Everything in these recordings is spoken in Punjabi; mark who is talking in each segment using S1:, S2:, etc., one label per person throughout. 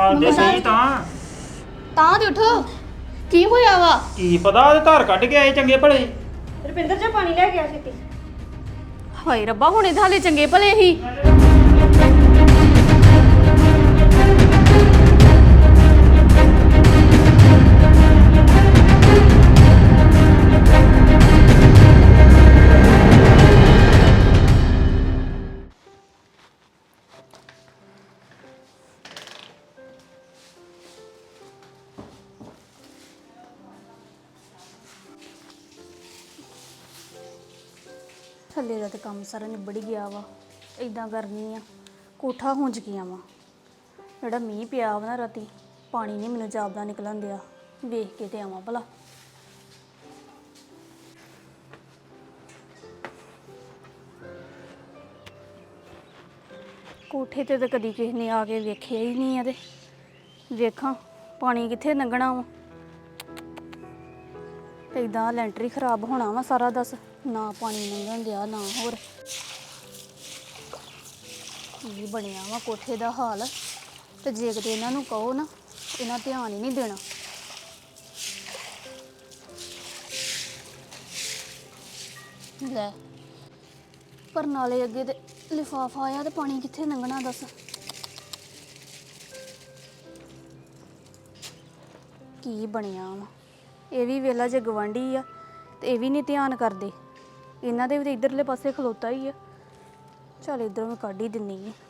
S1: ਨਾਲ ਦੇ ਸਹੀ ਤਾਂ
S2: ਤੇ ਉਠੋ ਕੀ ਹੋਇਆ ਵਾ?
S1: ਕੀ ਪਤਾ ਉਹਦੇ ਧਾਰ ਕੱਢ ਕੇ ਆਏ ਚੰਗੇ ਭਲੇ।
S3: ਰੁਪਿੰਦਰ ਜੀ ਪਾਣੀ ਲੈ ਕੇ ਆ ਛੇਤੀ।
S2: ਹਾਏ ਰੱਬਾ ਹੁਣੇ ਤਾਂ ਹਾਲੇ ਚੰਗੇ ਭਲੇ ਹੀ। ਥੱਲੇ ਦਾ ਤਾਂ ਕੰਮ ਸਾਰਾ ਨਿਬੜ ਗਿਆ ਵਾ। ਇਦਾਂ ਕਰਨੀ ਆ, ਕੋਠਾ ਹੁੰਜ ਗਿਆ ਵਾ। ਜਿਹੜਾ ਮੀਂਹ ਪਿਆ ਵਾ ਨਾ ਰਾਤੀ, ਪਾਣੀ ਨਹੀਂ ਮੈਨੂੰ ਜਾਪਦਾ ਨਿਕਲਣ ਦਿਆ। ਵੇਖ ਕੇ ਤੇ ਆਵਾਂ ਭਲਾ। ਕੋਠੇ ਤੇ ਤਾਂ ਕਦੀ ਕਿਸੇ ਨੇ ਆ ਕੇ ਵੇਖਿਆ ਹੀ ਨਹੀਂ ਆ। ਤੇ ਵੇਖਾਂ ਪਾਣੀ ਕਿੱਥੇ ਲੰਘਣਾ ਵਾ। ਤੇ ਇਦਾਂ ਲੈਂਟਰ ਹੀ ਖਰਾਬ ਹੋਣਾ ਵਾ ਸਾਰਾ। ਦੱਸ ਨਾ ਪਾਣੀ ਲੰਘਣ ਦਿਆ ਨਾ ਹੋਰ ਕੀ ਬਣਿਆ ਵਾ ਕੋਠੇ ਦਾ ਹਾਲ। ਤੇ ਜੇ ਕਿਤੇ ਇਹਨਾਂ ਨੂੰ ਕਹੋ ਨਾ, ਇਹਨਾਂ ਧਿਆਨ ਹੀ ਨਹੀਂ ਦੇਣਾ। ਲੈ ਪਰ ਨਾਲੇ ਅੱਗੇ ਤੇ ਲਿਫਾਫਾ ਆਇਆ ਤੇ ਪਾਣੀ ਕਿੱਥੇ ਲੰਘਣਾ ਦੱਸ। ਕੀ ਬਣਿਆ ਵਾ। ਇਹ ਵੀ ਵੇਲਾ ਜੇ ਗਵਾਂਢੀ ਆ ਤੇ ਇਹ ਵੀ ਨਹੀਂ ਧਿਆਨ ਕਰਦੇ। ਇਹਨਾਂ ਦੇ ਵੀ ਤਾਂ ਇਧਰਲੇ ਪਾਸੇ ਖਲੋਤਾ ਹੀ ਆ। ਚੱਲ ਇਧਰੋਂ ਮੈਂ ਕੱਢ ਹੀ ਦਿੰਨੀ ਆ।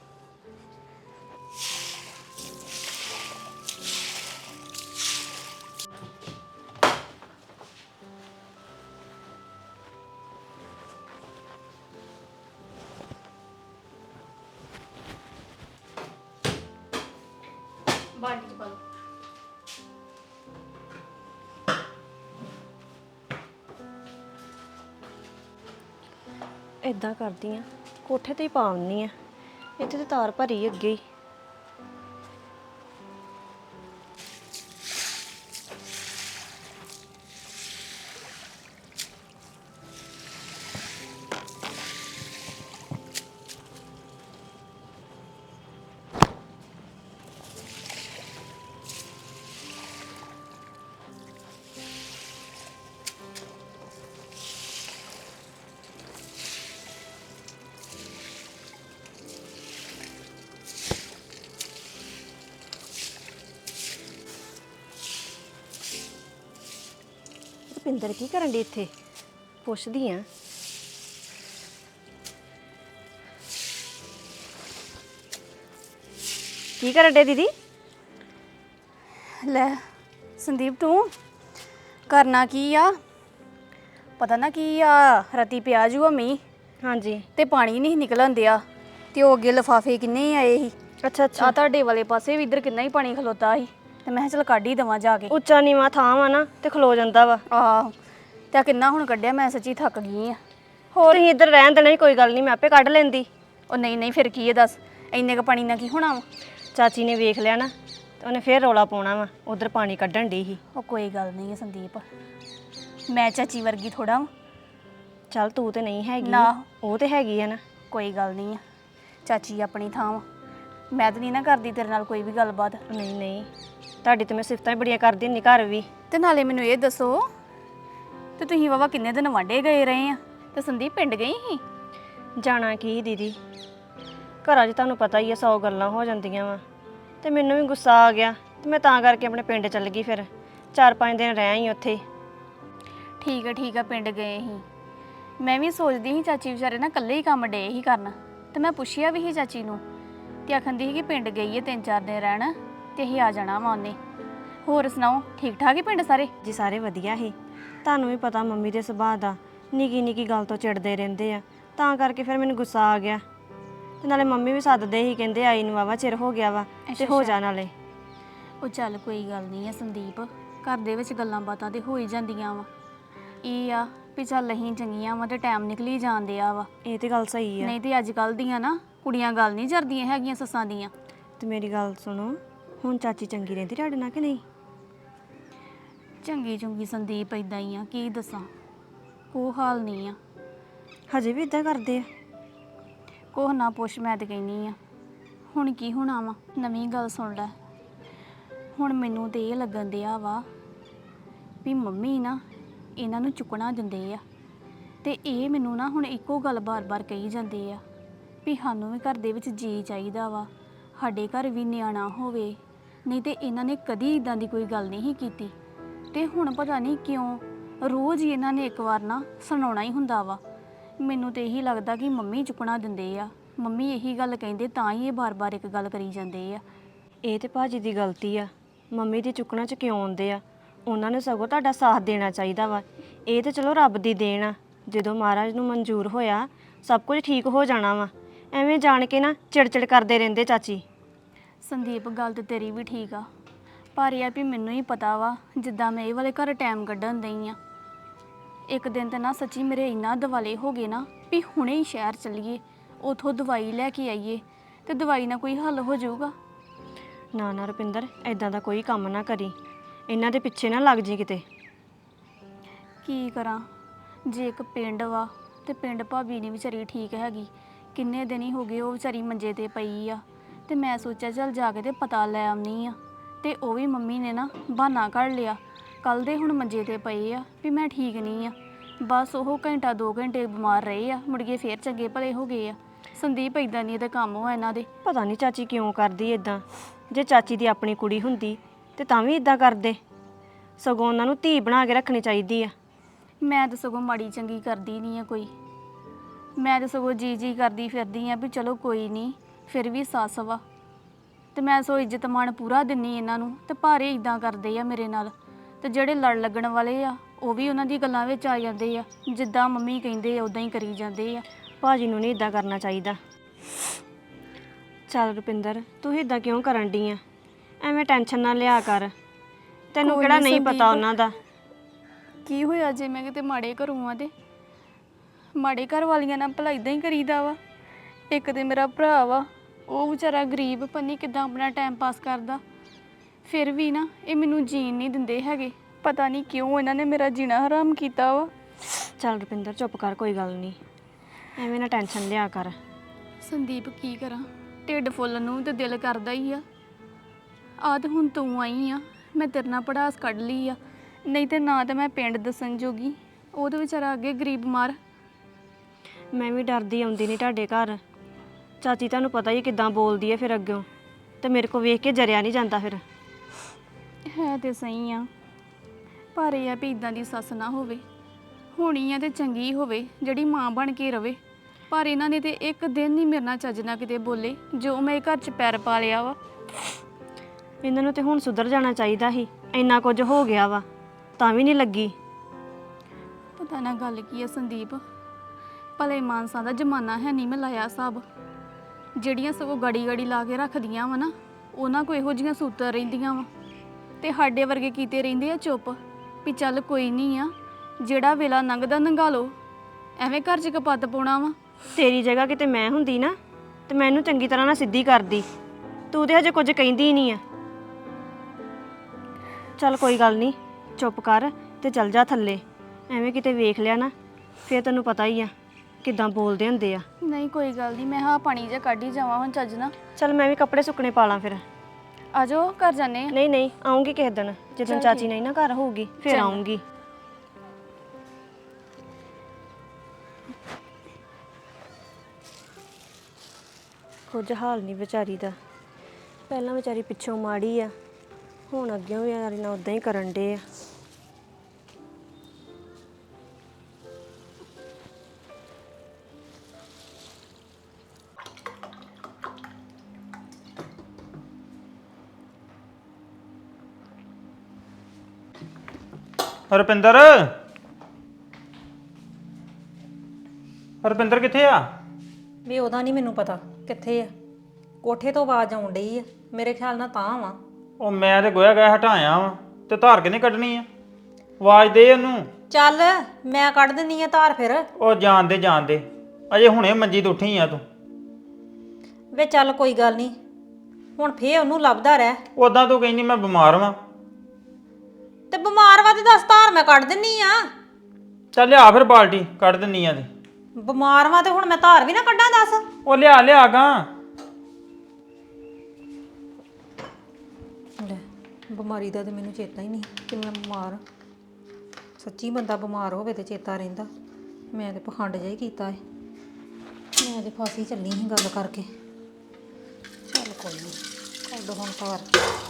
S2: ਬਾਲਟੀ ਚ ਪਾ ਲਓ।
S3: ਇਦਾਂ ਕਰਦੀ ਆ, ਕੋਠੇ ਤੇ ਹੀ ਪਾ ਆਉਂਦੀ ਆ। ਇੱਥੇ ਤੇ ਤਾਰ ਭਰੀ ਅੱਗੇ ਹੀ। ਰੁਪਿੰਦਰ ਕੀ ਕਰਨ ਦੀ ਇੱਥੇ? ਪੁੱਛਦੀ ਆ। ਕੀ ਕਰਨ ਡੇ ਦੀਦੀ?
S2: ਲੈ ਸੰਦੀਪ ਤੂੰ ਕਰਨਾ ਕੀ ਆ? ਪਤਾ ਨਾ ਕੀ ਆ, ਰਾਤੀ ਪਿਆ ਜੂਆ ਮੀਂਹ
S3: ਹਾਂਜੀ।
S2: ਤੇ ਪਾਣੀ ਨਹੀਂ ਨਿਕਲਣ ਦਿਆ। ਤੇ ਉਹ ਅੱਗੇ ਲਿਫਾਫੇ ਕਿੰਨੇ ਆਏ ਸੀ।
S3: ਅੱਛਾ ਅੱਛਾ।
S2: ਆ ਤੁਹਾਡੇ ਵਾਲੇ ਪਾਸੇ ਵੀ ਇੱਧਰ ਕਿੰਨਾ ਹੀ ਪਾਣੀ ਖਲੋਤਾ ਸੀ। ਤੇ ਮੈਂ ਕਿਹਾ ਚਲ ਕੱਢ ਹੀ ਦੇਵਾਂ ਜਾ ਕੇ।
S3: ਉੱਚਾ ਨੀਵਾਂ ਥਾਂ ਵਾ ਨਾ ਤੇ ਖਲੋ ਜਾਂਦਾ ਵਾ।
S2: ਆਹੋ ਤੇ ਕਿੰਨਾ ਹੁਣ ਕੱਢਿਆ। ਮੈਂ ਸੱਚੀ ਥੱਕ ਗਈ ਆ।
S3: ਹੋਰ ਤੁਸੀਂ ਇੱਧਰ ਰਹਿਣ ਦੇਣਾ ਸੀ, ਕੋਈ ਗੱਲ ਨਹੀਂ, ਮੈਂ ਆਪੇ ਕੱਢ ਲੈਂਦੀ।
S2: ਉਹ ਨਹੀਂ ਫਿਰ ਕੀ ਹੈ ਦੱਸ, ਇੰਨੇ ਕ ਪਾਣੀ ਨਾਲ ਕੀ ਹੋਣਾ ਵਾ।
S3: ਚਾਚੀ ਨੇ ਵੇਖ ਲਿਆ ਨਾ ਤੇ ਉਹਨੇ ਫੇਰ ਰੌਲਾ ਪਾਉਣਾ ਵਾ। ਉਧਰ ਪਾਣੀ ਕੱਢਣ ਦੀ ਸੀ।
S2: ਉਹ ਕੋਈ ਗੱਲ ਨਹੀਂ ਹੈ ਸੰਦੀਪ, ਮੈਂ ਚਾਚੀ ਵਰਗੀ ਥੋੜਾ ਵਾ।
S3: ਚੱਲ ਤੂੰ ਤੇ ਨਹੀਂ ਹੈਗੀ,
S2: ਨਾ
S3: ਉਹ ਤੇ ਹੈਗੀ ਆ ਨਾ।
S2: ਕੋਈ ਗੱਲ ਨਹੀਂ ਆ, ਚਾਚੀ ਆਪਣੀ ਥਾਂ ਵਾ। ਮੈਂ ਤਾਂ ਨਹੀਂ ਨਾ ਕਰਦੀ ਤੇਰੇ ਨਾਲ ਕੋਈ ਵੀ ਗੱਲਬਾਤ।
S3: ਨਹੀਂ ਨਹੀਂ, ਤੁਹਾਡੀ ਤੇ ਮੈਂ ਸਿਫਤਾਂ ਹੀ ਬੜੀਆਂ ਕਰਦੀ ਹੁੰਦੀ ਘਰ ਵੀ।
S2: ਤੇ ਨਾਲੇ ਮੈਨੂੰ ਇਹ ਦੱਸੋ, ਤੇ ਤੁਸੀਂ ਵਾਵਾ ਕਿੰਨੇ ਦਿਨ ਵਾਂਢੇ ਗਏ ਰਹੇ ਆ ਤੇ ਸੰਦੀਪ ਪਿੰਡ ਗਈ ਸੀ?
S3: ਜਾਣਾ ਕੀ ਦੀਦੀ, ਘਰਾਂ 'ਚ ਤੁਹਾਨੂੰ ਪਤਾ ਹੀ ਆ 100 ਗੱਲਾਂ ਹੋ ਜਾਂਦੀਆਂ ਵਾ। ਤੇ ਮੈਨੂੰ ਵੀ ਗੁੱਸਾ ਆ ਗਿਆ ਤੇ ਮੈਂ ਤਾਂ ਕਰਕੇ ਆਪਣੇ ਪਿੰਡ ਚੱਲ ਗਈ। ਫਿਰ 4-5 ਦਿਨ ਰਹਿ ਆਈ ਉੱਥੇ।
S2: ਠੀਕ ਆ ਪਿੰਡ ਗਏ ਸੀ। ਮੈਂ ਵੀ ਸੋਚਦੀ ਸੀ ਚਾਚੀ ਵਿਚਾਰੇ ਨਾ ਇਕੱਲੇ ਹੀ ਕੰਮ ਡੇ ਹੀ ਕਰਨ। ਤੇ ਮੈਂ ਪੁੱਛਿਆ ਵੀ ਸੀ ਚਾਚੀ ਨੂੰ ਤੇ ਆਖੰਦੀ ਸੀ ਕਿ ਪਿੰਡ ਗਈ ਹੈ 3-4 ਦਿਨ ਰਹਿਣ ਤੇ ਅਸੀਂ ਆ ਜਾਣਾ ਵਾ ਉਹਨੇ। ਹੋਰ ਸੁਣਾਓ, ਠੀਕ ਠਾਕ ਹੀ ਪਿੰਡ ਸਾਰੇ?
S3: ਜੀ ਸਾਰੇ ਵਧੀਆ ਸੀ। ਤੁਹਾਨੂੰ ਵੀ ਪਤਾ ਮੰਮੀ ਦੇ ਸੁਭਾਅ ਦਾ, ਨਿੱਕੀ ਨਿੱਕੀ ਗੱਲ ਤੋਂ ਚਿੜਦੇ ਰਹਿੰਦੇ ਆ। ਤਾਂ ਕਰਕੇ ਫਿਰ ਮੈਨੂੰ ਗੁੱਸਾ ਆ ਗਿਆ। ਤੇ ਨਾਲੇ ਮੰਮੀ ਵੀ ਸੱਦਦੇ ਸੀ, ਕਹਿੰਦੇ ਆਈ ਨੂੰ ਵਾਵਾ ਚਿਰ ਹੋ ਗਿਆ ਵਾ ਤੇ ਹੋ ਜਾ ਨਾਲੇ।
S2: ਉਹ ਚੱਲ ਕੋਈ ਗੱਲ ਨਹੀਂ ਹੈ ਸੰਦੀਪ, ਘਰ ਦੇ ਵਿੱਚ ਗੱਲਾਂ ਬਾਤਾਂ ਤੇ ਹੋ ਹੀ ਜਾਂਦੀਆਂ ਵਾ। ਇਹ ਆ ਵੀ ਚੱਲ ਅਸੀਂ ਚੰਗੀਆਂ ਵਾ ਤੇ ਟਾਈਮ ਨਿਕਲੀ ਜਾਂਦੇ ਆ ਵਾ।
S3: ਇਹ ਤੇ ਗੱਲ ਸਹੀ ਆ।
S2: ਨਹੀਂ ਤੇ ਅੱਜ ਕੱਲ੍ਹ ਦੀਆਂ ਨਾ ਕੁੜੀਆਂ ਗੱਲ ਨਹੀਂ ਜਰਦੀਆਂ ਹੈਗੀਆਂ ਸੱਸਾਂ ਦੀਆਂ।
S3: ਤੇ ਮੇਰੀ ਗੱਲ ਸੁਣੋ, ਹੁਣ ਚਾਚੀ ਚੰਗੀ ਰਹਿੰਦੀ ਤੁਹਾਡੇ ਨਾਲ ਕਿ ਨਹੀਂ?
S2: ਚੰਗੀ ਚੁੰਗੀ ਸੰਦੀਪ ਇਦਾਂ ਹੀ ਆ, ਕੀ ਦੱਸਾਂ, ਉਹ ਹਾਲ ਨਹੀਂ ਆ।
S3: ਹਜੇ ਵੀ ਇਦਾਂ ਕਰਦੇ ਆ?
S2: ਕੋਹ ਨਾ ਪੁੱਛ, ਮੈਂ ਤੇ ਕਹਿੰਦੀ ਆ ਹੁਣ ਕੀ ਹੋਣਾ ਵਾ। ਨਵੀਂ ਗੱਲ ਸੁਣ ਲੈ, ਹੁਣ ਮੈਨੂੰ ਤੇ ਇਹ ਲੱਗਣ ਦਿਆ ਵਾ ਵੀ ਮੰਮੀ ਨਾ ਇਹਨਾਂ ਨੂੰ ਚੁੱਕਣਾ ਦਿੰਦੇ ਆ ਤੇ ਇਹ ਮੈਨੂੰ ਨਾ ਹੁਣ ਇੱਕੋ ਗੱਲ ਬਾਰ-ਬਾਰ ਕਹੀ ਜਾਂਦੇ ਆ ਵੀ ਸਾਨੂੰ ਵੀ ਘਰ ਦੇ ਵਿੱਚ ਜੀ ਚਾਹੀਦਾ ਵਾ, ਸਾਡੇ ਘਰ ਵੀ ਨਿਆਣਾ ਹੋਵੇ। ਨਹੀਂ ਤੇ ਇਹਨਾਂ ਨੇ ਕਦੀ ਇਦਾਂ ਦੀ ਕੋਈ ਗੱਲ ਨਹੀਂ ਕੀਤੀ ਤੇ ਹੁਣ ਪਤਾ ਨਹੀਂ ਕਿਉਂ ਰੋਜ਼ ਹੀ ਇਹਨਾਂ ਨੇ ਇੱਕ ਵਾਰ ਨਾ ਸੁਣਾਉਣਾ ਹੀ ਹੁੰਦਾ ਵਾ। ਮੈਨੂੰ ਤੇ ਇਹੀ ਲੱਗਦਾ ਕਿ ਮੰਮੀ ਚੁੱਕਣਾ ਦਿੰਦੇ ਆ, ਮੰਮੀ ਇਹੀ ਗੱਲ ਕਹਿੰਦੇ ਤਾਂ ਹੀ ਇਹ ਬਾਰ-ਬਾਰ ਇੱਕ ਗੱਲ ਕਰੀ ਜਾਂਦੇ ਆ।
S3: ਇਹ ਤੇ ਭਾਜੀ ਦੀ ਗਲਤੀ ਆ, ਮੰਮੀ ਦੀ ਚੁੱਕਣਾ 'ਚ ਕਿਉਂ ਆਉਂਦੇ ਆ? ਉਹਨਾਂ ਨੂੰ ਸਗੋਂ ਤੁਹਾਡਾ ਸਾਥ ਦੇਣਾ ਚਾਹੀਦਾ ਵਾ। ਇਹ ਤੇ ਚਲੋ ਰੱਬ ਦੀ ਦੇਣ ਆ, ਜਦੋਂ ਮਹਾਰਾਜ ਨੂੰ ਮਨਜ਼ੂਰ ਹੋਇਆ ਸਭ ਕੁਝ ਠੀਕ ਹੋ ਜਾਣਾ ਵਾ। ਐਵੇਂ ਜਾਣ ਕੇ ਨਾ ਚਿੜਚਿੜ ਕਰਦੇ ਰਹਿੰਦੇ ਚਾਚੀ।
S2: ਸੰਦੀਪ ਗੱਲ ਤੇ ਤੇਰੀ ਵੀ ਠੀਕ ਆ, ਪਰ ਇਹ ਆ ਵੀ ਮੈਨੂੰ ਹੀ ਪਤਾ ਵਾ ਜਿੱਦਾਂ ਮੈਂ ਇਹ ਵਾਲੇ ਘਰ ਟਾਈਮ ਕੱਢਣ ਦਈ ਆ। ਇੱਕ ਦਿਨ ਤੇ ਨਾ ਸੱਚੀ ਮੇਰੇ ਇੰਨਾ ਦਿਵਾਲੇ ਹੋ ਗਏ ਨਾ ਵੀ ਹੁਣੇ ਹੀ ਸ਼ਹਿਰ ਚੱਲੀਏ, ਉਥੋਂ ਦਵਾਈ ਲੈ ਕੇ ਆਈਏ ਤੇ ਦਵਾਈ ਨਾਲ ਕੋਈ ਹੱਲ ਹੋ ਜਾਊਗਾ।
S3: ਨਾ ਨਾ ਰੁਪਿੰਦਰ, ਐਦਾਂ ਦਾ ਕੋਈ ਕੰਮ ਨਾ ਕਰੀ, ਇਹਨਾਂ ਦੇ ਪਿੱਛੇ ਨਾ ਲੱਗ ਜੀ ਕਿਤੇ।
S2: ਕੀ ਕਰਾਂ, ਜੇ ਇੱਕ ਪਿੰਡ ਵਾ ਤੇ ਪਿੰਡ ਭਾਬੀ ਨਹੀਂ ਵਿਚਾਰੀ ਠੀਕ ਹੈਗੀ, ਕਿੰਨੇ ਦਿਨ ਹੀ ਹੋ ਗਏ ਉਹ ਵਿਚਾਰੀ ਮੰਜੇ ਤੇ ਪਈ ਆ ਤੇ ਮੈਂ ਸੋਚਿਆ ਚੱਲ ਜਾ ਕੇ ਤੇ ਪਤਾ ਲੈ ਆਉਣੀ ਆ। ਤੇ ਉਹ ਵੀ ਮੰਮੀ ਨੇ ਨਾ ਬਹਾਨਾ ਕੱਢ ਲਿਆ, ਕੱਲ ਦੇ ਹੁਣ ਮੰਜੇ ਤੇ ਪਏ ਆ ਵੀ ਮੈਂ ਠੀਕ ਨਹੀਂ ਆ। ਬਸ ਉਹ ਘੰਟਾ 2 ਘੰਟੇ ਬਿਮਾਰ ਰਹੇ ਆ, ਮੁੜ ਕੇ ਫੇਰ ਚੰਗੇ ਭਲੇ ਹੋ ਗਏ ਆ। ਸੰਦੀਪ ਇਦਾਂ ਨਹੀਂ ਇਹਦੇ ਕੰਮ ਹੋ ਇਹਨਾਂ ਦੇ।
S3: ਪਤਾ ਨਹੀਂ ਚਾਚੀ ਕਿਉਂ ਕਰਦੀ ਇਦਾਂ। ਜੇ ਚਾਚੀ ਦੀ ਆਪਣੀ ਕੁੜੀ ਹੁੰਦੀ ਤੇ ਤਾਂ ਵੀ ਇਦਾਂ ਕਰਦੇ। ਸਗੋਂ ਉਹਨਾਂ ਨੂੰ ਧੀ ਬਣਾ ਕੇ ਰੱਖਣੀ ਚਾਹੀਦੀ ਆ।
S2: ਮੈਂ ਤਾਂ ਸਗੋਂ ਮਾੜੀ ਚੰਗੀ ਕਰਦੀ ਨਹੀਂ ਆ ਕੋਈ, ਮੈਂ ਤਾਂ ਸਗੋਂ ਜੀ ਕਰਦੀ ਫਿਰਦੀ ਆ ਵੀ ਚਲੋ ਕੋਈ ਨਹੀਂ, ਫਿਰ ਵੀ ਸੱਸ ਵਾ ਤੇ ਮੈਂ ਸੋ ਇੱਜ਼ਤ ਮਾਣ ਪੂਰਾ ਦਿੰਨੀ ਇਹਨਾਂ ਨੂੰ, ਤੇ ਭਾਰੇ ਇਦਾਂ ਕਰਦੇ ਆ ਮੇਰੇ ਨਾਲ। ਤੇ ਜਿਹੜੇ ਲੜ ਲੱਗਣ ਵਾਲੇ ਆ ਉਹ ਵੀ ਉਹਨਾਂ ਦੀ ਗੱਲਾਂ ਵਿੱਚ ਆ ਜਾਂਦੇ ਆ, ਜਿੱਦਾਂ ਮੰਮੀ ਕਹਿੰਦੇ ਆ ਉਦਾਂ ਹੀ ਕਰੀ ਜਾਂਦੇ ਆ।
S3: ਭਾਜੀ ਨੂੰ ਨਹੀਂ ਇਦਾਂ ਕਰਨਾ ਚਾਹੀਦਾ। ਚੱਲ ਰੁਪਿੰਦਰ, ਤੂੰ ਇਦਾਂ ਕਿਉਂ ਕਰਨ ਡਈ ਆ? ਐਵੇਂ ਟੈਨਸ਼ਨ ਨਾ ਲਿਆ ਕਰ, ਤੈਨੂੰ
S2: ਕੋਈ
S3: ਕਿਹੜਾ
S2: ਨੀ
S3: ਨਹੀਂ ਪਤਾ
S2: ਸੰਦੀਪ।
S3: ਉਹਨਾਂ ਦਾ।
S2: ਕੀ ਹੋਇਆ ਜੇ ਮੈਂ ਕਿਤੇ ਮਾੜੇ ਘਰੋਂ ਆ ਤੇ ਮਾੜੇ ਘਰ ਵਾਲੀਆਂ ਨਾਲ ਭਲਾ ਇਦਾਂ ਹੀ ਕਰੀਦਾ ਵਾ। ਇੱਕ ਤੇ ਮੇਰਾ ਭਰਾ ਵਾ, ਉਹ ਵਿਚਾਰਾ ਗਰੀਬ, ਪੰਨੀ ਕਿਦਾਂ ਆਪਣਾ ਟਾਈਮ ਪਾਸ ਕਰਦਾ, ਫਿਰ ਵੀ ਨਾ ਇਹ ਮੈਨੂੰ ਜੀਣ ਨਹੀਂ ਦਿੰਦੇ ਹੈਗੇ। ਪਤਾ ਨਹੀਂ ਕਿਉਂ ਇਹਨਾਂ ਨੇ ਮੇਰਾ ਜੀਣਾ ਹਰਾਮ ਕੀਤਾ ਵਾ।
S3: ਚੱਲ ਰੁਪਿੰਦਰ ਚੁੱਪ ਕਰ, ਕੋਈ ਗੱਲ ਨਹੀਂ, ਐਵੇਂ ਨਾ ਟੈਨਸ਼ਨ ਲਿਆ ਕਰ।
S2: ਸੰਦੀਪ ਕੀ ਕਰਾਂ, ਢਿੱਡ ਫੁੱਲਣ ਨੂੰ ਤੇ ਦਿਲ ਕਰਦਾ ਹੀ ਆ। ਆਹ ਤੇ ਹੁਣ ਤੂੰ ਆਈ ਆ, ਮੈਂ ਤੇਰੇ ਨਾਲ ਪੜਾਸ ਕੱਢ ਲਈ ਆ, ਨਹੀਂ ਤੇ ਨਾ ਤਾਂ ਮੈਂ ਪਿੰਡ ਦੱਸਣ ਜੋਗੀ। ਉਹ ਤਾਂ ਵਿਚਾਰਾ ਅੱਗੇ ਗਰੀਬ ਮਾਰ।
S3: ਮੈਂ ਵੀ ਡਰਦੀ ਆਉਂਦੀ ਨਹੀਂ ਤੁਹਾਡੇ ਘਰ। ਚਾਚੀ ਤੁਹਾਨੂੰ ਪਤਾ ਹੀ ਕਿੱਦਾਂ ਬੋਲਦੀ ਹੈ ਫਿਰ ਅੱਗੋਂ, ਤੇ ਮੇਰੇ ਕੋ ਵੇਖ ਕੇ ਜਰਿਆ ਨਹੀਂ ਜਾਂਦਾ। ਫਿਰ
S2: ਹੈ ਤੇ ਸਹੀ ਆ, ਪਰ ਇਹ ਆ ਵੀ ਇਦਾਂ ਦੀ ਸੱਸ ਨਾ ਹੋਵੇ, ਹੋਣੀ ਆ ਤੇ ਚੰਗੀ ਹੋਵੇ ਜਿਹੜੀ ਮਾਂ ਬਣ ਕੇ ਰਵੇ। ਪਰ ਇਹਨਾਂ ਨੇ ਤੇ ਇੱਕ ਦਿਨ ਨਹੀਂ ਮੇਰੇ ਨਾਲ ਚੱਜ ਨਾਲ ਕਿਤੇ ਬੋਲੇ, ਜੋ ਮੈਂ ਘਰ 'ਚ ਪੈਰ ਪਾ ਲਿਆ ਵਾ।
S3: ਇਹਨਾਂ ਨੂੰ ਤੇ ਹੁਣ ਸੁਧਰ ਜਾਣਾ ਚਾਹੀਦਾ ਸੀ, ਇੰਨਾ ਕੁਝ ਹੋ ਗਿਆ ਵਾ ਤਾਂ ਵੀ ਨਹੀਂ ਲੱਗੀ।
S2: ਪਤਾ ਨਾ ਗੱਲ ਕੀ ਆ ਸੰਦੀਪ, ਭਲੇ ਮਾਨਸਾਂ ਦਾ ਜ਼ਮਾਨਾ ਹੈ ਨਹੀਂ, ਮੈਂ ਲਾਇਆ ਹਿਸਾਬ। ਜਿਹੜੀਆਂ ਸਗੋਂ ਗੜੀ ਲਾ ਕੇ ਰੱਖਦੀਆਂ ਵਾ ਨਾ, ਉਹਨਾਂ ਕੋ ਇਹੋ ਜਿਹੀਆਂ ਸੂਤਰ ਰਹਿੰਦੀਆਂ ਵਾ, ਤੇ ਸਾਡੇ ਵਰਗੇ ਕੀਤੇ ਰਹਿੰਦੇ ਆ ਚੁੱਪ ਵੀ ਚੱਲ ਕੋਈ ਨਹੀਂ ਆ, ਜਿਹੜਾ ਵੇਲਾ ਲੰਘਦਾ ਲੰਘਾ ਲਓ, ਐਵੇਂ ਘਰ 'ਚ ਕਪੱਤ ਪਾਉਣਾ ਵਾ।
S3: ਤੇਰੀ ਜਗ੍ਹਾ ਕਿਤੇ ਮੈਂ ਹੁੰਦੀ ਨਾ ਤੇ ਮੈਨੂੰ ਚੰਗੀ ਤਰ੍ਹਾਂ ਨਾਲ ਸਿੱਧੀ ਕਰਦੀ। ਤੂੰ ਤੇ ਹਜੇ ਕੁਝ ਕਹਿੰਦੀ ਨਹੀਂ ਆ। ਚੱਲ ਕੋਈ ਗੱਲ ਨਹੀਂ, ਚੁੱਪ ਕਰ ਤੇ ਚੱਲ ਜਾ ਥੱਲੇ। ਐਵੇਂ ਕਿਤੇ ਵੇਖ ਲਿਆ ਨਾ ਫਿਰ ਤੈਨੂੰ ਪਤਾ ਹੀ ਆ ਕਿੱਦਾਂ ਬੋਲਦੇ ਹੁੰਦੇ ਆ।
S2: ਨਹੀਂ ਕੋਈ ਗੱਲ ਨਹੀਂ, ਮੈਂ ਹਾਂ ਪਾਣੀ ਜਿਹਾ ਕੱਢ ਹੀ ਜਾਵਾਂ ਹੁਣ ਚੱਜ ਨਾ।
S3: ਚੱਲ ਮੈਂ ਵੀ ਕੱਪੜੇ ਸੁੱਕਣੇ ਪਾ ਲਾਂ ਫਿਰ।
S2: ਆ ਜਾਓ ਘਰ ਜਾਂਦੇ ਆ।
S3: ਨਹੀਂ ਆਉਂਗੀ ਕਿਸੇ ਦਿਨ, ਜਦੋਂ
S2: ਚੱਲ
S3: ਚਾਚੀ
S2: ਠੀਕ।
S3: ਨਹੀਂ ਨਾ ਘਰ ਹੋਊਗੀ ਫਿਰ
S2: ਚੰਗਾ।
S3: ਆਉਂਗੀ। ਕੁਝ ਹਾਲ ਨਹੀਂ ਵਿਚਾਰੀ ਦਾ, ਪਹਿਲਾਂ ਵਿਚਾਰੀ ਪਿੱਛੋਂ ਮਾੜੀ ਆ, ਹੁਣ ਅੱਗੇ ਵੀ ਯਾਰ ਨਾ ਉਦਾਂ ਹੀ ਕਰਨ ਡੇ ਆ।
S1: ਰੁਪਿੰਦਰ, ਰੁਪਿੰਦਰ ਕਿੱਥੇ ਆ?
S4: ਵੀ ਉਹਦਾ ਨਹੀਂ ਮੈਨੂੰ ਪਤਾ ਕਿੱਥੇ ਆ। ਕੋਠੇ ਤੋਂ ਆਵਾਜ਼ ਆਉਣ ਡਈ ਆ, ਮੇਰੇ ਖਿਆਲ ਨਾਲ ਤਾਂ ਵਾ।
S1: ਉਹ ਮੈਂ ਤੇ ਗੋਇਆ ਗਿਆ ਹਟਾਇਆ ਵਾ, ਤੇ ਧਾਰ ਕਿਨੇ ਕੱਢਣੀ ਆ? ਆਵਾਜ਼ ਦੇ ਉਹਨੂੰ।
S4: ਚੱਲ ਮੈਂ ਕੱਢ ਦਿੰਨੀ ਆ ਧਾਰ ਫਿਰ।
S1: ਉਹ ਜਾਣ ਦੇ, ਅਜੇ ਹੁਣੇ ਮੰਜੀ ਤੋਂ ਉੱਠੀ ਆ ਤੂੰ।
S4: ਵੇ ਚੱਲ ਕੋਈ ਗੱਲ ਨਹੀਂ, ਹੁਣ ਫੇਰ ਉਹਨੂੰ ਲੱਭਦਾ ਰਹਿ।
S1: ਉਦਾਂ ਤੂੰ ਕਹਿੰਦੀ ਮੈਂ ਬਿਮਾਰ ਵਾਂ।
S4: ਤੇ ਬਿਮਾਰ ਵਾ ਤੇ ਦੱਸ, ਧਾਰ ਮੈਂ ਕੱਢ ਦਿੰਨੀ ਆ।
S1: ਚੱਲ ਲਿਆ ਫਿਰ ਬਾਲਟੀ, ਕੱਢ ਦਿੰਨੀ ਆ ਤੇ।
S4: ਬਿਮਾਰ ਵਾ ਤੇ ਹੁਣ ਮੈਂ ਧਾਰ ਵੀ ਨਾ ਕੱਢਾਂ ਦੱਸ।
S1: ਉਹ ਲਿਆ ਗਾ।
S4: ਬਿਮਾਰੀ ਦਾ ਤੇ ਮੈਨੂੰ ਚੇਤਾ ਹੀ ਨਹੀਂ ਕਿ ਮੈਂ ਬਿਮਾਰ ਹਾਂ। ਸੱਚੀ ਬੰਦਾ ਬਿਮਾਰ ਹੋਵੇ ਤੇ ਚੇਤਾ ਰਹਿੰਦਾ। ਮੈਂ ਤੇ ਪਖੰਡ ਜਿਹਾ ਹੀ ਕੀਤਾ ਏ। ਮੈਂ ਤੇ ਫਾਸੀ ਚੱਲੀ ਸੀ ਗੱਲ ਕਰਕੇ। ਚੱਲ ਕੋਈ ਨਹੀਂ, ਕੱਢ ਹੁਣ ਘਰ।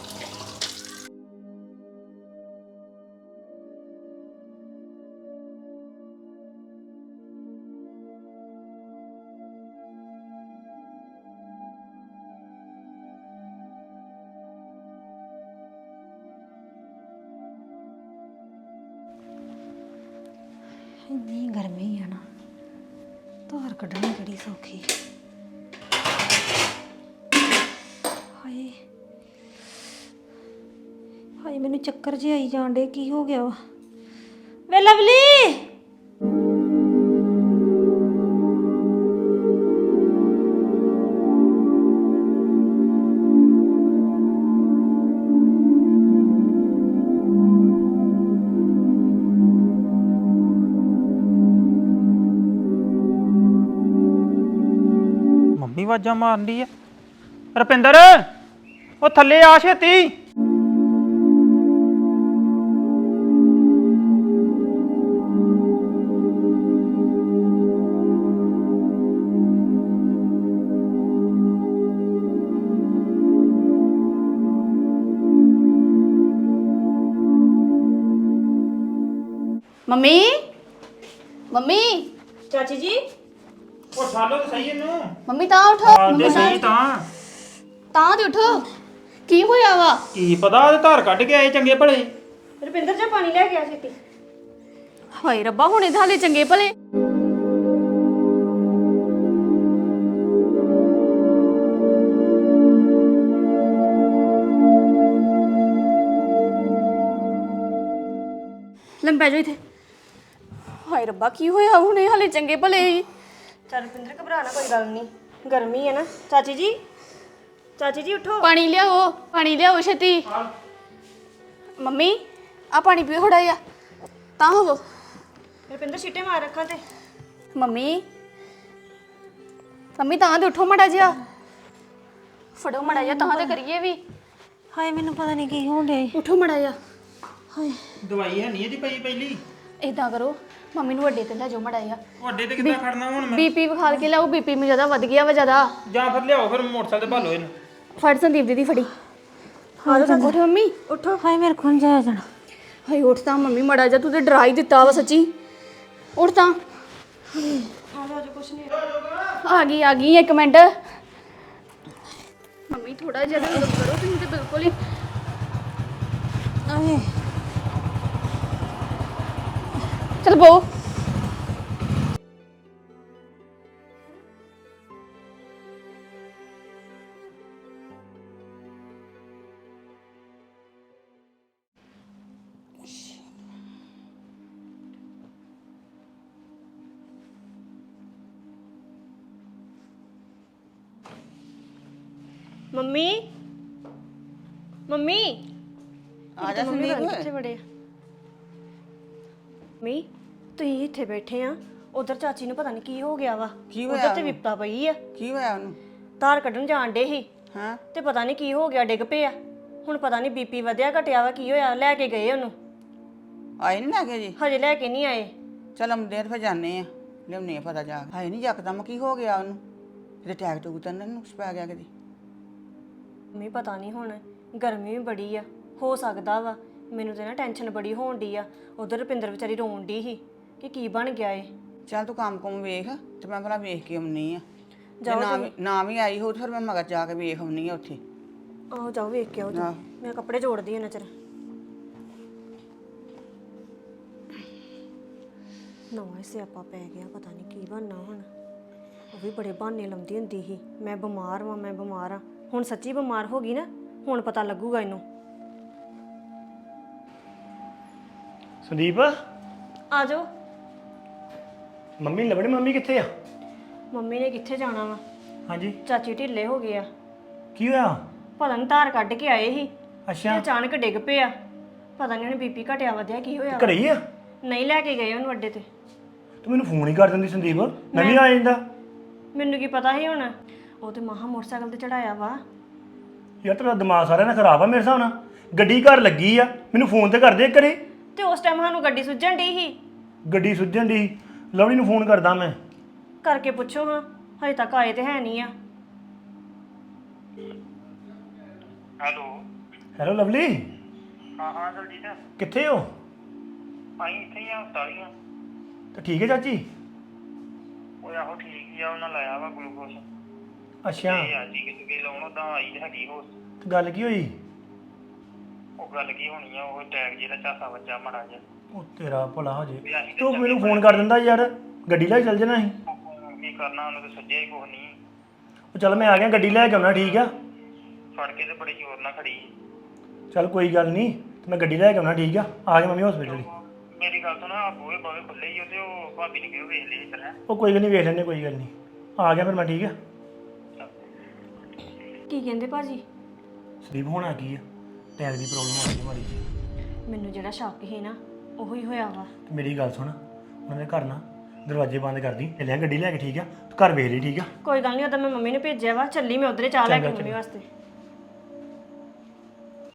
S4: ਇੰਨੀ ਗਰਮੀ ਆ ਨਾ, ਧਾਰ ਕੱਢਣੀ ਕਿਹੜੀ ਸੌਖੀ। ਹਾਏ ਹਾਏ, ਮੈਨੂੰ ਚੱਕਰ ਜਿਹੇ ਆਈ ਜਾਣ ਡੇ। ਕੀ ਹੋ ਗਿਆ ਵਾ? ਵੇ ਲਵਲੀ,
S1: ਮੰਮੀ ਆਵਾਜ਼ਾਂ ਮਾਰਨ ਦੀ ਆ। ਰੁਪਿੰਦਰ, ਉਹ ਥੱਲੇ ਆ ਛੇਤੀ।
S2: ਮੰਮੀ ਮੰਮੀ
S3: ਚਾਚੀ ਜੀ
S1: ਉਹ ਛਾਲੋ ਤਾਂ ਸਹੀ ਇਹਨੂੰ।
S2: ਮੰਮੀ ਤਾਂ ਉਠੋ।
S1: ਆਂਦੇ ਸਹੀ ਤਾਂ।
S2: ਤਾਂ ਤੇ ਉਠੋ। ਕੀ ਹੋਇਆ ਵਾ?
S1: ਕੀ ਪਤਾ, ਉਹਦੇ ਧਾਰ ਕੱਢ ਕੇ ਆਏ ਚੰਗੇ ਭਲੇ।
S3: ਰੁਪਿੰਦਰ ਜੀ ਪਾਣੀ ਲੈ ਗਿਆ ਛੇਤੀ।
S2: ਹਾਏ ਰੱਬਾ, ਹੁਣੇ ਤਾਂ ਹਾਲੇ ਚੰਗੇ ਭਲੇ। ਲੰਬੈ ਜੋ ਇੱਥੇ। ਹਾਏ ਰੱਬਾ, ਕੀ ਹੋਇਆ? ਹੁਣੇ ਹਾਲੇ ਚੰਗੇ ਭਲੇ ਸੀ।
S3: ਚੱਲ ਰੁਪਿੰਦਰ ਘਬਰਾਣਾ ਕੋਈ ਗੱਲ ਨਹੀਂ, ਗਰਮੀ ਹੈ ਨਾ। ਚਾਚੀ ਜੀ, ਚਾਚੀ ਜੀ ਉਠੋ।
S2: ਪਾਣੀ ਲਿਆਓ, ਪਾਣੀ ਲਿਆਓ ਛੇਤੀ। ਮੰਮੀ ਆ ਪਾਣੀ ਪੀਓ ਥੋੜਾ ਜਿਹਾ। ਤਾਂ ਹੋਵੋ।
S3: ਰੁਪਿੰਦਰ ਛਿੱਟੇ ਮਾਰ ਰੱਖਾਂ ਤੇ।
S2: ਮੰਮੀ ਮੰਮੀ ਤਾਂ ਤੇ ਉਠੋ ਮੜਾ ਜਿਹਾ। ਫੜੋ ਮੜਾ ਜਿਹਾ, ਤਾਂ ਤੇ ਕਰੀਏ ਵੀ।
S4: ਹਾਏ ਮੈਨੂੰ ਪਤਾ ਨਹੀਂ ਕੀ ਹੋਣ ਡਿਆ ਈ।
S2: ਉਠੋ ਮੜਾ ਜਿਹਾ।
S4: ਹਾਏ
S1: ਦਵਾਈ ਹੈ ਨਹੀਂ ਇਹਦੀ ਪਈ ਪਹਿਲੀ।
S2: ਏਦਾਂ ਕਰੋ, ਮੰਮੀ ਨੂੰ ਵੱਡੇ ਤੇ ਲੈ ਜਾਓ ਮੜਾ ਜਿਹਾ।
S1: ਵੱਡੇ ਤੇ ਕਿੱਦਾਂ ਖੜਨਾ ਹੁਣ ਮੈਂ?
S2: ਬੀਪੀ ਵਿਖਾਲ ਕੇ ਲਿਆਓ। ਬੀਪੀ ਮੈਨੂੰ ਜ਼ਿਆਦਾ ਵੱਧ ਗਿਆ ਵਾ ਜ਼ਿਆਦਾ।
S1: ਜਾਂ ਫਿਰ ਲਿਆਓ, ਫਿਰ ਮੋਟਰਸਾਈਕਲ ਤੇ ਭਾਲੋ ਇਹਨੂੰ।
S2: ਫੜ ਸੰਦੀਪ ਦੀਦੀ ਫੜੀ। ਉੱਠ ਮੰਮੀ।
S4: ਉੱਠੋ। ਹਾਏ ਮੇਰੇ ਕੋਲ ਨੀ ਜਾਇਆ ਜਾਣਾ।
S2: ਹਾਏ ਉੱਠ ਤਾਂ ਮੰਮੀ ਮੜਾ ਜਿਹਾ। ਤੂੰ ਤੇ ਡਰਾ ਹੀ ਦਿੱਤਾ ਵਾ ਸੱਚੀ। ਉੱਠ ਤਾਂ। ਆ ਗਈ ਇੱਕ ਮਿੰਟ। ਮੰਮੀ ਥੋੜਾ ਜਿਹਾ ਤਾਂ ਕਰੋ, ਤੁਸੀਂ ਤੇ ਬਿਲਕੁਲ ਹੀ।
S4: ਆਏ
S2: ਚਲ ਬੋ।
S3: ਮੰਮੀ ਮੰਮੀ
S5: ਆ ਜਾ
S3: ਮੰਮੀ
S5: ਸੰਦੀਪ।
S3: ਕਿੱਥੇ ਵੜੇ ਆ? ਮੰਮੀ ਤੁਸੀਂ ਇੱਥੇ ਬੈਠੇ ਆ, ਉਧਰ ਚਾਚੀ ਨੂੰ ਪਤਾ ਨਹੀਂ ਕੀ ਹੋ ਗਿਆ ਵਾ।
S5: ਕੀ ਹੋਇਆ
S3: ਉਧਰ ਤੇ
S5: ਉਹਨੂੰ?
S3: ਵਿਪਤਾ ਪਈ ਆ।
S5: ਕੀ ਹੋਇਆ ਉਹਨੂੰ?
S3: ਧਾਰ ਕੱਢਣ ਜਾਣ ਡੇ ਸੀ
S5: ਹਾਂ,
S3: ਤੇ ਪਤਾ ਨਹੀਂ ਕੀ ਹੋ ਗਿਆ, ਡਿੱਗ ਪਿਆ। ਹੁਣ ਪਤਾ ਨਹੀਂ ਬੀਪੀ ਵਧਿਆ ਘਟਿਆ ਵਾ, ਕੀ ਹੋਇਆ। ਲੈ ਕੇ ਗਏ ਉਹਨੂੰ,
S5: ਆਏ ਨਹੀਂ ਲੱਗੇ ਜੀ?
S3: ਹਜੇ ਲੈ ਕੇ ਨਹੀਂ ਆਏ।
S5: ਚਲ ਆਉਂਦੇ ਫਿਰ ਜਾਂਦੇ ਆ, ਲਿਆਉਂਦੇ ਆ ਪਤਾ ਜਾ ਕੇ। ਹਾਏ ਨਹੀਂ ਯਕਦਮ ਕੀ ਹੋ ਗਿਆ ਉਹਨੂੰ? ਕਿਤੇ ਟੈਕ ਟੂਕ ਤਾਂ ਨਹੀਂ ਨੁਕਸ ਪੈ ਗਿਆ ਕਿਤੇ?
S3: ਮੰਮੀ ਪਤਾ ਨਹੀਂ, ਹੁਣ ਗਰਮੀ ਵੀ ਬੜੀ ਆ, ਹੋ ਸਕਦਾ ਵਾ। ਮੈਨੂੰ ਤੇ ਨਾ ਟੈਨਸ਼ਨ ਬੜੀ ਹੋਣ ਡਈ ਆ। ਉਧਰ ਰੁਪਿੰਦਰ ਵਿਚਾਰੀ ਰੋਣ ਡਈ ਸੀ ਕਿ ਕੀ ਬਣ ਗਿਆ ਏ।
S5: ਚੱਲ ਤੂੰ ਕੰਮ ਕੁਮ ਵੇਖ ਤੇ ਮੈਂ ਭਲਾ ਵੇਖ ਕੇ ਆਉਣੀ ਆ। ਜੇ
S3: ਜਾਓ
S5: ਨਾ ਵੀ ਆਈ ਹੋ ਤੇ ਫਿਰ ਮੈਂ ਮਗਰ ਜਾ ਕੇ ਵੇਖ ਆਉਣੀ ਆ ਉੱਥੇ।
S3: ਆਹੋ ਜਾਓ ਵੇਖ ਕੇ ਆਓ ਤੁਸੀਂ।
S5: ਆਹ।
S3: ਮੈਂ ਕੱਪੜੇ ਜੋੜਦੀ ਆ ਨਜ਼ਰ। ਨਵਾਂ ਸਿਆਪਾ ਪੈ ਗਿਆ, ਪਤਾ ਨਹੀਂ ਕੀ ਬਣਨਾ ਹੁਣ। ਉਹ ਵੀ ਬੜੇ ਬਹਾਨੇ ਲਾਉਂਦੀ ਹੁੰਦੀ ਸੀ, ਮੈਂ ਬਿਮਾਰ ਵਾਂ ਮੈਂ ਬਿਮਾਰ ਆ। ਹੁਣ ਸੱਚੀ ਬਿਮਾਰ ਹੋ ਗਈ ਨਾ, ਹੁਣ ਪਤਾ ਲੱਗੂਗਾ ਇਹਨੂੰ।
S6: ਸੰਦੀਪ,
S3: ਆ ਜਾਓ।
S6: ਮੰਮੀ ਨੀ ਲੱਭਣੀ। ਮੰਮੀ ਕਿੱਥੇ ਆ?
S3: ਮੰਮੀ ਨੇ ਕਿੱਥੇ ਜਾਣਾ ਵਾ,
S6: ਹਾਂਜੀ,
S3: ਚਾਚੀ ਢਿੱਲੇ ਹੋ ਗਏ ਆ।
S6: ਕੀ ਹੋਇਆ?
S3: ਪਤਾ ਨਹੀਂ ਧਾਰ ਕੱਢ ਕੇ ਆਏ ਸੀ ਤੇ
S6: ਅੱਛਾ,
S3: ਅਚਾਨਕ ਡਿੱਗ ਪਿਆ। ਪਤਾ ਨਹੀਂ ਉਹਨੇ ਬੀਪੀ ਘਟਿਆ ਵਧਿਆ ਕੀ ਹੋਇਆ ਵਾ।
S6: ਘਰੇ ਹੀ ਆ?
S3: ਨਹੀਂ ਲੈ ਕੇ ਗਏ ਉਹਨੂੰ ਅੱਡੇ ਤੇ।
S6: ਤੂੰ ਮੈਨੂੰ ਫੋਨ ਹੀ ਕਰ ਦਿੰਦੀ ਸੰਦੀਪ, ਮੈਂ ਵੀ ਆ ਜਾਂਦਾ।
S3: ਮੈਨੂੰ ਕੀ ਪਤਾ ਸੀ ਹੁਣ। ਉਹ ਤੇ ਮਹਾ ਮੋਟਰਸਾਈਕਲ ਤੇ ਚੜਾਇਆ ਵਾ।
S6: ਯਾਰ ਤੇਰਾ ਦਿਮਾਗ ਸਾਰਿਆਂ ਨਾਲ ਖਰਾਬ ਆ ਮੇਰੇ ਹਿਸਾਬ ਨਾਲ। ਗੱਡੀ ਘਰ ਲੱਗੀ ਆ ਮੈਨੂੰ ਫੋਨ ਤੇ ਕਰਦੇ ਕਰੇ
S3: ਤੇ ਉਸ ਟਾਈਮ ਸਾਨੂੰ ਗੱਡੀ ਸੁੱਝਣ ਡਈ ਸੀ।
S6: ਗੱਡੀ ਸੁੱਜਣ ਦੀ ਲਵਲੀ ਨੂੰ ਫੋਨ ਕਰਦਾ ਮੈਂ।
S3: ਕਰਕੇ ਪੁੱਛੋ ਹਾਂ, ਹਜੇ ਤੱਕ ਆਏ ਤੇ ਹੈ ਨਹੀਂ ਆ।
S6: ਹੈਲੋ ਲਵਲੀ,
S1: ਹਾਂ ਦਲਜੀਤ
S6: ਕਿੱਥੇ ਹੋ?
S1: ਆਈ ਇੱਥੇ ਹੀ ਆ ਹਸਪਤਾਲੀਆਂ।
S6: ਤਾਂ ਠੀਕ ਹੈ ਚਾਚੀ?
S1: ਉਹ ਆਹੋ ਠੀਕ ਹੀ ਆ, ਉਹਨਾਂ ਲਾਇਆ ਵਾ ਗਲੂਕੋਸ।
S6: ਅੱਛਾ,
S1: ਆ ਜੀ ਕਿਤੇ ਲਾਉਣ ਉਦਾਂ ਆਈ ਤੇ ਹੈਗੀ ਹੋ।
S6: ਤੇ ਗੱਲ ਕੀ ਹੋਈ?
S1: ਉਹ ਗੱਲ ਕੀ ਹੋਣੀ ਆ, ਉਹ ਟੈਗ ਜਿਹੜਾ ਝਾਸਾ ਵੱਜਾ ਮਾੜਾ ਜਿਹਾ।
S6: ਉਹ ਤੇਰਾ ਭਲਾ ਹੋ ਜੇ।
S1: ਵੀ ਅਸੀਂ ਤੇ
S6: ਤੂੰ ਮੈਨੂੰ ਫੋਨ ਕਰ ਦਿੰਦਾ ਯਾਰ, ਗੱਡੀ ਲੈ ਕੇ ਚੱਲ ਜਾਣਾ ਸੀ।
S1: ਕੀ ਕਰਨਾ, ਉਹਨੂੰ ਤੇ ਸੱਜਿਆ ਹੀ ਕੁਛ ਨਹੀਂ।
S6: ਉਹ ਚੱਲ ਮੈਂ ਆ ਗਿਆ, ਗੱਡੀ ਲੈ ਕੇ ਆਉਣਾ, ਠੀਕ ਆ?
S1: ਫੜ ਕੇ ਤੇ ਬੜੀ ਜ਼ੋਰ ਨਾਲ ਖੜੀ।
S6: ਚੱਲ ਕੋਈ ਗੱਲ ਨਹੀਂ, ਤੇ ਮੈਂ ਗੱਡੀ ਲੈ ਕੇ ਆਉਣਾ, ਠੀਕ ਆ? ਆ ਗਿਆ ਮੰਮੀ ਹਸਪੀਟਲ।
S1: ਮੇਰੀ ਗੱਲ ਸੁਣ, ਆ ਬੂਹੇ ਬਾਵੇ ਖੁੱਲੇ ਹੀ ਉਹਦੇ, ਉਹ ਭਾਬੀ ਨੇ ਕਿਹਾ ਵੇਖ ਲਈ ਇਸ ਤਰ੍ਹਾਂ।
S6: ਉਹ ਕੋਈ ਗੱਲ ਨਹੀਂ, ਵੇਖ ਲੈਂਦੇ, ਕੋਈ ਗੱਲ ਨਹੀਂ। ਆ ਗਿਆ ਫਿਰ ਮੈਂ, ਠੀਕ ਆ?
S3: ਕੀ ਕਹਿੰਦੇ ਭਾਜੀ?
S6: ਸੰਦੀਪ ਹੋਣਾ ਕੀ ਆ, ਟੈਗ ਦੀ ਪ੍ਰੋਬਲਮ ਆ ਗਈ ਮਾੜੀ ਜੀ।
S3: ਮੈਨੂੰ ਜਿਹੜਾ ਸ਼ੱਕ ਸੀ ਨਾ ਉਹੀ ਹੋਇਆ ਵਾ।
S6: ਤੇ ਮੇਰੀ ਗੱਲ ਸੁਣ, ਉਹਨਾਂ ਦੇ ਘਰ ਨਾ ਦਰਵਾਜ਼ੇ ਬੰਦ ਕਰਦੀ, ਚੱਲਿਆ ਗੱਡੀ ਲੈ ਕੇ, ਠੀਕ ਆ? ਤੂੰ ਘਰ ਵੇਖ ਲਈ, ਠੀਕ ਆ?
S3: ਕੋਈ ਗੱਲ ਨਹੀਂ, ਉਦੋਂ ਮੈਂ ਮੰਮੀ ਨੂੰ ਭੇਜਿਆ ਵਾ, ਚੱਲੀ ਮੈਂ ਉਧਰੇ ਚਾਹ ਲੈ ਕੇ ਮੰਮੀ ਵਾਸਤੇ।